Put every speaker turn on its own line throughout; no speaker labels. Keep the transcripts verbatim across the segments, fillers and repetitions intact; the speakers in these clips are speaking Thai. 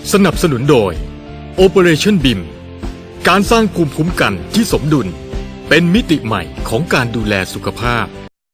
สนับสนุนโดย Operation บี ไอ เอ็ม การสร้างภูมิคุ้มกันที่สมดุลเป็นมิติใหม่ของการดูแลสุขภาพ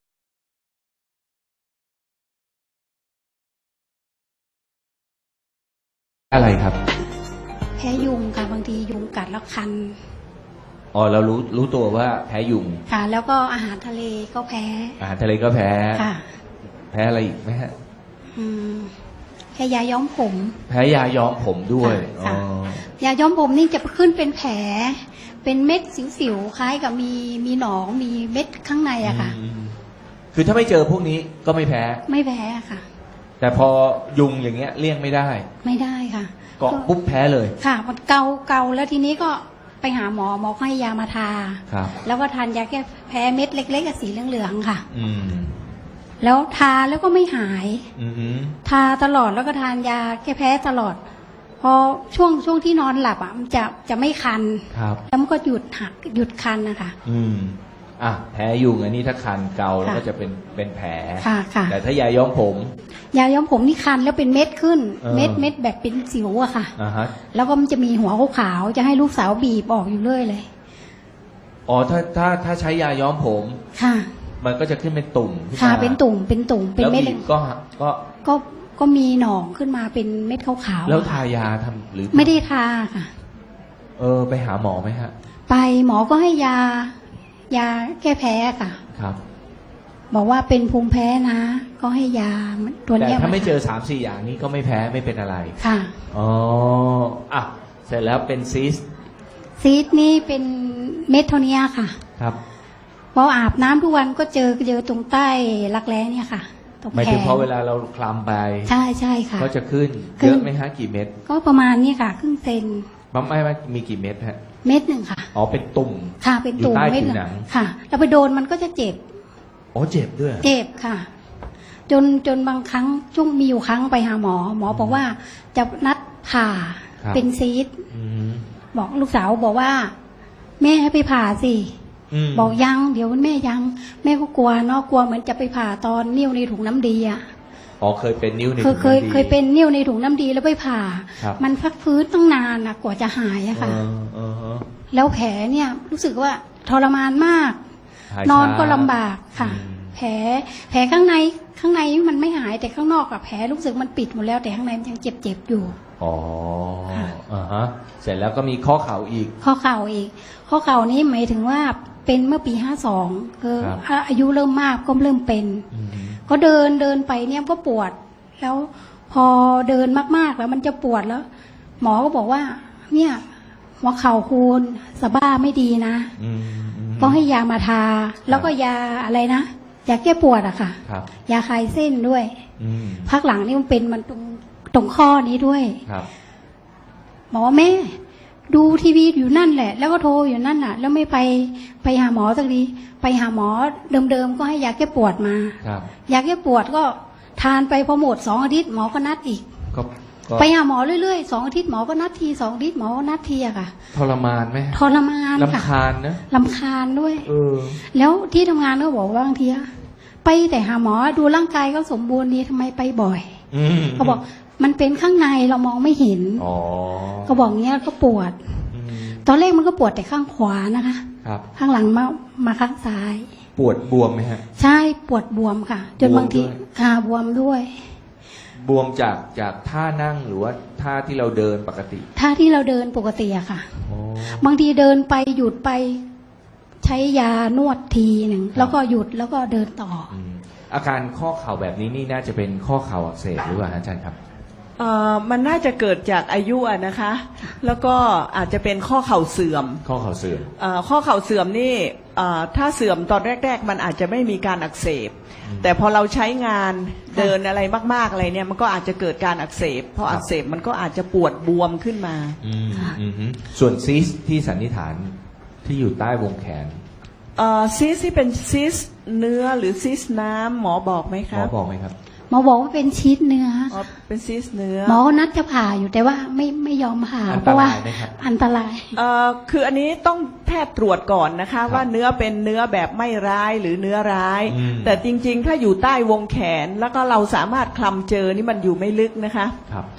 อะไรครับ
แพ้ยุงค่ะบางทียุงกัดแล้วคัน
อ๋อเรารู้รู้ตัวว่าแพ้ยุง
ค่ะแล้วก็อาหารทะเลก็แพ้
อาหารทะเลก็แพ้
ค่ะ
แพ้อะไรอีกไหมฮะ
อืมแพ้ยาย้อมผม
แพ้ยาย้อมผมด้วย
อ๋อยาย้อมผมนี่จะขึ้นเป็นแผลเป็นเม็ดสิวๆคล้ายกับมีมีหนองมีเม็ดข้างในอะค่ะ
คือถ้าไม่เจอพวกนี้ก็ไม่แพ้
ไม่แพ้ค่ะ
แต่พอยุงอย่างเงี้ยเลี่ยงไม่ได้
ไม่ได้ค่ะ
เกาะปุ๊บแพ้เลย
ค่ะมันเกาเกาแล้วทีนี้ก็ไปหาหมอหมอให้ยามาทา
ครับ
แล้วก็ทานยาแก้แพ้เม็ดเล็กๆสีเหลืองๆค่ะ
อืม
แล้วทาแล้วก็ไม่หาย
อือ
ทาตลอดแล้วก็ทานยาแก้แพ้ตลอดพอช่วงช่วงที่นอนหลับอ่ะมันจะจะไม่คัน
ครับ
แล้วมันก็หยุดหักหยุดคันนะคะ
อืมอ่ะแพ้ยุงอันนี้ถ้าคันเกาแล้วก็จะเป็นเป็นแผล
ค่ะค่ะ
แต่ถ้ายาย้อมผม
ยาย้อมผมนี่คันแล้วเป็นเม็ดขึ้นเม็ดเม็ดแบบเป็นสิวอะค่ะ
อ่าฮะ
แล้วก็มันจะมีหัวขาวๆจะให้ลูกสาวบีบออกอยู่เรื่อยเลย
อ๋อถ้าถ้าถ้าใช้ยาย้อมผม
ค่ะ
มันก็จะขึ้นเป็นตุ่ม
ค่ะเป็นตุ่มเป็นตุ่มเป็นเม็ด
ก็ก็
ก็ก็มีหนองขึ้นมาเป็นเม็ดขาว
ๆแล้วทายาทำหรือ
ไม่ได้ทาค่ะ
เออไปหาหมอไหมฮะ
ไปหมอก็ให้ยายาแก้แพ้ค่ะ
ครับ
บอกว่าเป็นภูมิแพ้นะก็ให้ยาตัวนี้
แต่ถ้าไม่เจอสามสี่อย่างนี้ก็ไม่แพ้ไม่เป็นอะไร
ค่ะ
อ๋ออ่ะเสร็จแล้วเป็นซีส
ซีสนี่เป็นเม็ดเท่านี้ค่ะ
ครับ
พออาบน้ำทุกวันก็เจอเจอตรงใต้รักแร้เนี่ยค่ะตรงแขน
หมายถึงพอเวลาเราคลำไป
ใช่ใช่ค่ะ
ก็จะขึ้นเยอะไหมฮะกี่เม็ด
ก็ประมาณนี้ค่ะครึ่งเซน
ปั๊มไม่ไม่มีกี่เม็ดฮะ
เม็ดหนึ่งค่ะ
อ๋อเป็นตุ่ม
ค่ะเป็นตุ่มเม็ดหนึ่งค่ะแล้วไปโดนมันก็จะเจ็บ
อ๋อเจ็บด้วย
เจ็บค่ะจนจนบางครั้งช่วงมีอยู่ครั้งไปหาหมอหมอบอกว่าจะนัดผ่าเป็นซีสบอกลูกสาวบอกว่าแม่ให้ไปผ่าสิบอกยังเดี๋ยวแม่ยังแม่ก็กลัวเนาะกลัวเหมือนจะไปผ่าตอนนิ้วในถุงน้ำดีอ่ะ
อ๋อเคยเป็นนิ้วในถุง
น้ำดีเคยเคยเป็นนิ้วในถุงน้ำดีแล้วไปผ่ามันพักฟื้นตั้งนานนะกว่าจะหายอะค่ะแล้วแผลเนี่ยรู้สึกว่าทรมานมากนอนก็ลำบากค่ะแผลแผลข้างในข้างในมันไม่หายแต่ข้างนอกอะแผลรู้สึกมันปิดหมดแล้วแต่ข้างในมันยังเจ็บเจ็บอยู่
อ๋ออ่าฮะเสร็จแล้วก็มีข้อเข่าอีก
ข้อเข่าอีกข้อเข่านี้หมายถึงว่าเป็นเมื่อปีห้าสองคืออายุเริ่มมากก็เริ่มเป็นก็เดินเดินไปเนี่ยก็ปวดแล้วพอเดินมากๆแล้วมันจะปวดแล้วหมอก็บอกว่าเนี่ยหัวเข่าคุณสะบ้าไม่ดีนะก็ให้ยามาทาแล้วก็ยาอะไรนะยาแก้ปวดอะค่ะยาคลายเส้นด้วยพักหลังนี่มันเป็นมันตรงตรงข้อนี้ด้วยหมอแม่ดูทีวีอยู่นั่นแหละแล้วก็โทรอยู่นั่นน่ะแล้วไม่ไปไปหาหมอสักทีไปหาหมอเดิมๆก็ให้ยาแก้ปวดมายาแก้ปวดก็ทานไปพอหมดสองอาทิตย์หมอก็นัดอีกไปหาหมอเรื่อยๆสองอาทิตย์หมอก็นัดทีสองอาทิตย์หมอก็นัดทีอะค่ะ
ทรมานไหม
ทรมานค่ะ
ลำคาญนะ
ลำคาญด้วยแล้วที่ทำงานก็บอกว่าบางทีไปแต่หาหมอดูร่างกายก็สมบูรณ์ดีทำไมไปบ่อยเขาบอกมันเป็นข้างในเรามองไม่เห็นก็บอกเงี้ยก็ปวดตอนแรกมันก็ปวดแต่ข้างขวานะคะข้างหลังมามาข้างซ้าย
ปวดบวมไหมฮะ
ใช่ปวดบวมค่ะจนบางทีขาบวมด้วย
บวมจากจากท่านั่งหรือว่าท่าที่เราเดินปกติ
ท่าที่เราเดินปกติอะค่ะบางทีเดินไปหยุดไปใช้ยานวดทีหนึ่งแล้วก็หยุดแล้วก็เดินต่อ
อาการข้อเข่าแบบนี้นี่น่าจะเป็นข้อเข่าอักเสบหรือเปล่าอาจารย์ครับ
เอ่อมันน่าจะเกิดจากอายุอะนะคะแล้วก็อาจจะเป็นข้อเข่าเสื่อม
ข้อเข่าเสื่อม
เอ่อข้อเข่าเสื่อมนี่เอ่อถ้าเสื่อมตอนแรกๆมันอาจจะไม่มีการอักเสบแต่พอเราใช้งานเดินอะไรมากๆอะไรเนี่ยมันก็อาจจะเกิดการอักเสบพออักเสบมันก็อาจจะปวดบวมขึ้นมา
ส่วนซีสที่สันนิษฐานที่อยู่ใต้วงแขน
เอ่อซีสที่เป็นซีสเนื้อหรือซีสน้ำหมอบอกไหมครับ
หมอบอกไหมครับ
หมอบอกว่าเป็นชีสเนื้อ
อ๋อเป็นซีสเนื้อ
หมอนัดจะผ่าอยู่แต่ว่าไม่ไม่ยอมผ่าเพราะว่าอันตราย
เอ่อคืออันนี้ต้องแพทย์ตรวจก่อนนะคะว่าเนื้อเป็นเนื้อแบบไม่ร้ายหรือเนื้อร้ายแต่จริงๆถ้าอยู่ใต้วงแขนแล้วก็เราสามารถคลำเจอนี่มันอยู่ไม่ลึกนะคะ
ครับ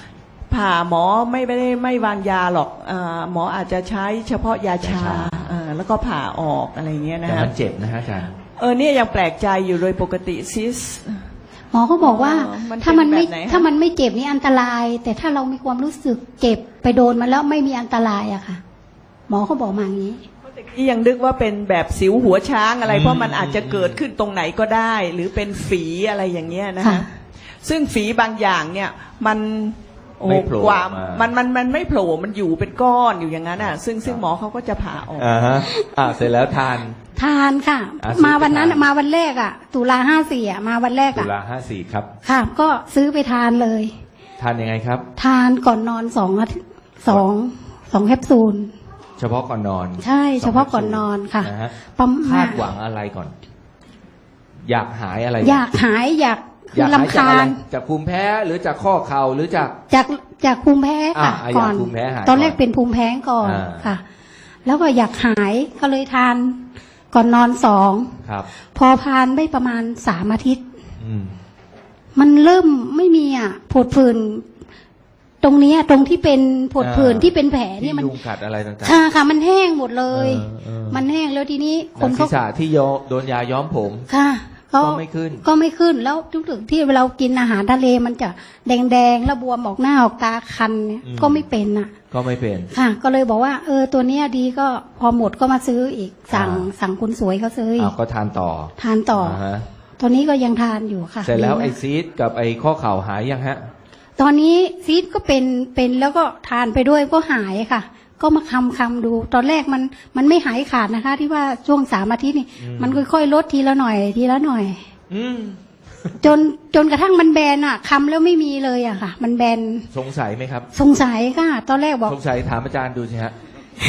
ผ่าหมอไม่ไม่ได้ไม่วางยาหรอกเออหมออาจจะใช้เฉพาะยาชาเออแล้วก็ผ่าออกอะไรเงี้ยนะ
แต่
ฮะ
มันเจ็บนะฮะอาจารย์
เออเนี่ยยังแปลกใจอยู่โดยปกติซิส
หมอก็บอกว่า
อ๋อมัน
ถ้ามันไม่
เป็นแบบไหนคะ
ถ้ามันไม่เจ็บนี่อันตราย แต่ถ้าเรามีความรู้สึกเจ็บไปโดนมันแล้วไม่มีอันตรายอะค่ะ หมอเขาบอกมาอย่างนี้
ที่ยังนึกว่าเป็นแบบสิวหัวช้างอะไร เพราะมันอาจจะเกิดขึ้นตรงไหนก็ได้ หรือเป็นฝีอะไรอย่างเงี้ยนะ
ค่ะ
คะ ซึ่งฝีบางอย่างเนี่ยมันโอ้
ไม่โผล่
กว่า
ออกมามั
มันมันมันไม่โผล่มันอยู่เป็นก้อนอยู่อย่างนั้นอ่ะ ซึ่งซึ่งหมอเขาก็จะผ่าออก
อ่าฮะอ่าเสร็จแล้วทาน
ทานค่ะ
อ่ะซื้อ
มาวันนั้น
ไปทาน
มาวันแรกอะตุลาห้าสี่อะมาวันแรก
ตุ
อะ
ลาห้าสี่ครับ
ค่ะ ก็ซื้อไปทานเลย
ทานยังไงครับ
ทานก่อนนอนสองอาทิตย์สองสองแคปซูล
เฉพาะก่อนนอน
ใช่เฉพาะก่อนนอนค่ะ
นะฮะ
ประมาณ
คาดหวังอะไรก่อน อยากหายอะไร
อยากหายอยาก
อยากหาย
ลำ
จาก
คา
อะไร
ญ
จากภูมิแพ้หรือจากข้อเข่าหรือจาก
จากจากภูมิแพ้ค่ะ
อ่ะ
ก่อน
อยากภูมิแพ้หาย
ตอนแรก
ก่อน
เป็นภูมิแพ้ก่อน
อ่า
ค่ะ แล้วก็อยากหายก็เลยทานก่อนนอนสอง
ครับ
พอทานได้ประมาณสามอาทิตย์
อืม
มันเริ่มไม่มีอ่ะผดผื่นตรงเนี้ยตรงที่เป็นผดผื่น
อ่า
ที่เป็นแผล
ที่
เนี่ยมัน
ยุงกัดอะไรต่างๆ
ค่ะค่ะ มันแห้งหมดเลย
เออเออ
มันแห้งแล้วทีนี้ค
หนั
น
งศี
เขา
รษะที่โยโดนยาย้อมผม
ค่ะ
ก็ไม่ขึ้น
ก็ไม่ขึ้นแล้วทุกถึงที่เรากินอาหารทะเลมันจะแดงๆแล้วบวมออกหน้าออกตาคันเนี่ย
อืม
ก็ไม่เป็นอ่ะ
ก็ไม่เป็น
ค่ะ ก็เลยบอกว่า เออตัวเนี้ยดีก็พอหมดก็มาซื้ออีก สั่ง
อ่า
สั่งคุณสวยเขาซื้ออี
อ้าว
ก
ก็ทานต่อ
ทานต่ออ
าฮะ
ตอนนี้ก็ยังทานอยู่ค่ะ
เสร็จแล้ว
ดีมาก
ไอซีดกับไอข้อเข่าหายยังฮะ
ตอนนี้ซีดก็เป็นเป็นแล้วก็ทานไปด้วยก็หายค่ะ ก็มาคำคำดู ตอนแรกมันมันไม่หายขาดนะคะ ที่ว่าช่วงสามอาทิตย์นี่
อืม
มันค่อยๆลดทีละหน่อย ทีละหน่อย
อืม
จนจนกระทั่งมันแบนอ่ะคำแล้วไม่มีเลยอ่ะค่ะ มันแบน
สงสัยไหมครับ
สงสัยค่ะ ตอนแรกบอก
สงสัยถามอาจารย์ดูสิฮะ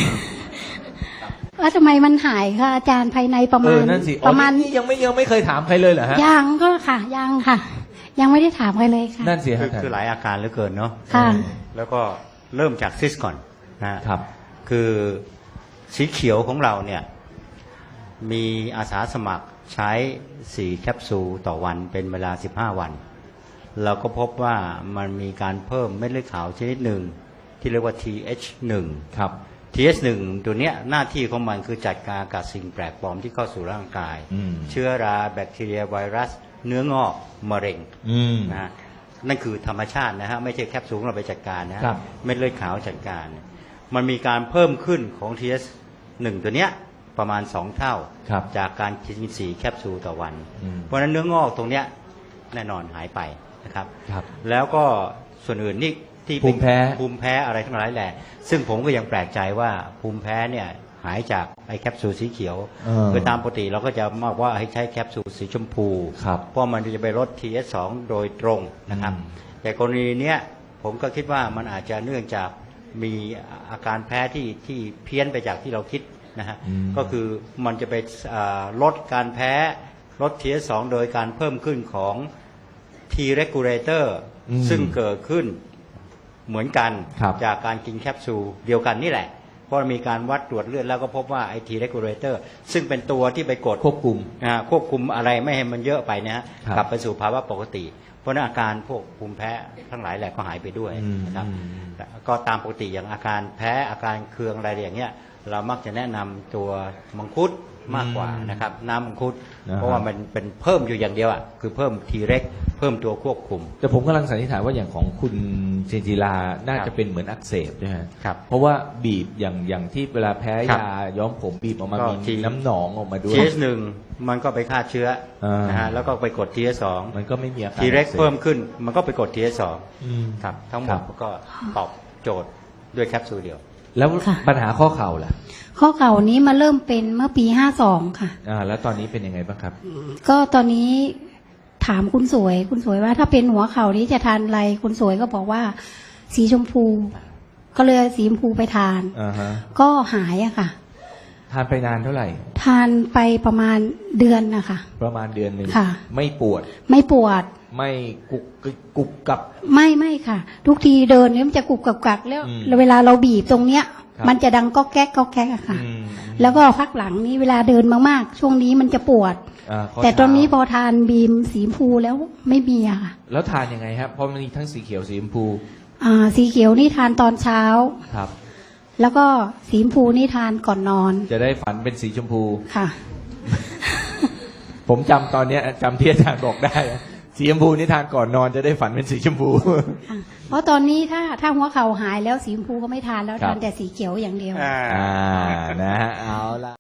ว่าทำไมมันหายค่ะ อาจารย์ภายในประ
เอ
มา
อ
ณ
นั่นสิ
ประมาณ
อ๋อนี่ยังไม่ยังไม่เคยถามใครเลยเหรอฮะ
ยังก็ค่ะยังค่ะ ยังไม่ได้ถามใครเลยค่ะ
นั่นสิ
คื
ฮะ
อคือหลายอาการเหลือเกินเนาะ
ค่ะ
แล้วก็เริ่มจากซิสก่อนนะฮะ
ครับ
คือสีเขียวของเราเนี่ยมีอาสาสมัครใช้สี่แคปซูลต่อวันเป็นเวลาสิบห้าวัน เราก็พบว่ามันมีการเพิ่มเม็ดเลือดขาวชนิดหนึ่งที่เรียกว่า ที เอช หนึ่ง
ครับ
ที เอช หนึ่ง ตัวเนี้ยหน้าที่ของมันคือจัดการกับสิ่งแปลกปลอมที่เข้าสู่ร่างกาย
อืม
เชื้อราแบคทีเรียไวรัส เนื้องอกมะเร็ง
อืม
นะฮะนั่นคือธรรมชาตินะฮะไม่ใช่แคปซูลเราไปจัดการนะฮะ
ครับ
เม็ดเลือดขาวจัดการ มันมีการเพิ่มขึ้นของ ที เอช หนึ่ง ตัวเนี้ยประมาณสองเท่า
ครับ
จากการกินสี่แคปซูลต่อวัน
อืม
เพราะฉะนั้นเนื้องอกตรงเนี้ยแน่นอนหายไปนะครับ
ครับ
แล้วก็ส่วนอื่นนี่ที่เป็น
ภูมิแพ้
ภูมิแพ้อะไรทั้งหลายแหละซึ่งผมก็ยังแปลกใจว่าภูมิแพ้เนี่ยหายจากไอ้แคปซูลสีเขียว
เออ
คือตามปกติเราก็จะบอกว่าให้ใช้แคปซูลสีชมพู
ครับ
เพราะมันจะไปลด ที เอช สอง โดยตรงนะครับ
อืม
แต่กรณีเนี้ยผมก็คิดว่ามันอาจจะเนื่องจากมีอาการแพ้ที่ที่เพี้ยนไปจากที่เราคิดนะฮะ
อืม
ก็คือมันจะไปอ่าลดการแพ้ลด ที เอช สอง โดยการเพิ่มขึ้นของ T regulator
อืม
ซึ่งเกิดขึ้นเหมือนกัน
ครับ
จากการกินแคปซูลเดียวกันนี่แหละ เพราะมีการวัดตรวจเลือดแล้วก็พบว่าไอ T regulator ซึ่งเป็นตัวที่ไปกด
ควบคุม
อ่าควบคุมอะไรไม่ให้มันเยอะไปนะฮะ
ครับ
กลับไปสู่ภาวะปกติ เพราะฉะนั้นอาการพวกภูมิแพ้ทั้งหลายแหละก็หายไปด้วย
อืม
นะครับ
อืม
แต่ก็ตามปกติอย่างอาการแพ้อาการเคืองอะไรอย่างเงี้ยเรามักจะแนะนำตัวมังคุดมากกว่านะครับน้ำมังคุด
นะฮะ
เพราะว่ามันเป็นเพิ่มอยู่อย่างเดียวอ่ะคือเพิ่มทีเร็กเพิ่มตัวควบคุม
แต่ผมกำลังสันนิษฐานว่าอย่างของคุณเจนจิลาน่า
ครั
จะ
บ
เป็นเหมือนอักเสบใช่ไหมฮะ
ครับ
เพราะว่าบีบอย่างอย่างที่เวลาแพ้
ครับ
ยาย้อมผมบีบออกมา
ก็
มี
ที
น้ำหนองออกมาด้วย
ที เอช หนึ่งมันก็ไปฆ่าเชื้ออา นะฮะแล้วก็ไปกด ที เอช สอง
มันก็ไม่มีอาการ
ทีเร็ก
อัสบ
เพิ่มขึ้นมันก็ไปกด ที เอช สอง
อืม
ครับทั้งหม
ครั
ด
บ
ก็ตอบโจทย์ด้วยแคปซูลเดียว
แล้ว
ค่ะ
ปัญหาข้อเข่าล่ะ
ข้อเข่านี้มาเริ่มเป็นเมื่อปีห้าสองค่ะ
อ่าแล้วตอนนี้เป็นยังไงบ้างครับ
ก็ตอนนี้ถามคุณสวย คุณสวยว่าถ้าเป็นหัวเข่านี้จะทานอะไร คุณสวยก็บอกว่า สีชมพู ก็เลยเอาสีชมพูไปทาน
อ่าฮะ
ก็หายอะค่ะ
ทานไปนานเท่าไหร่
ทานไปประมาณเดือนนะคะ
ประมาณเดือนหนึ่ง
ค่ะ
ไม่ปวด
ไม่ปวด
ไม่กุกกกุกกับ
ไม่ไม่ค่ะ ทุกทีเดินเนี่ยมันจะกุกกับกักแล้ว
อืม
แล้วเวลาเราบีบตรงเนี้ย
ครับ
มันจะดังก็แก๊กก็แก๊กอะค่ะ
อืม
แล้วก็พักหลังนี้เวลาเดินมากๆ ช่วงนี้มันจะปวด
อ่าข้
แต่ตอนนี้พ
เท้า
อทานบีมสีชมพูแล้วไม่มีอะค่ะ
แล้วทานยังไงครับเพราะมันมีทั้งสีเขียวสีชมพู
อ่าสีเขียวนี่ทานตอนเช้า
ครับ
แล้วก็สีชมพูนี่ทานก่อนนอน
จะได้ฝันเป็นสีชมพู
ค่ะ
ผมจำตอนเนี้ยจำที่อาจารย์บอกได้สีชมพูนี่ทานก่อนนอนจะได้ฝันเป็นสีชมพู
ค่ะเพราะตอนนี้ถ้าถ้าหัวเข่าหายแล้วสีชมพูก็ไม่ทานแล้ว
ครับ
ทานแต่สีเขียวอย่างเดียว
อ่านะฮะเอาละ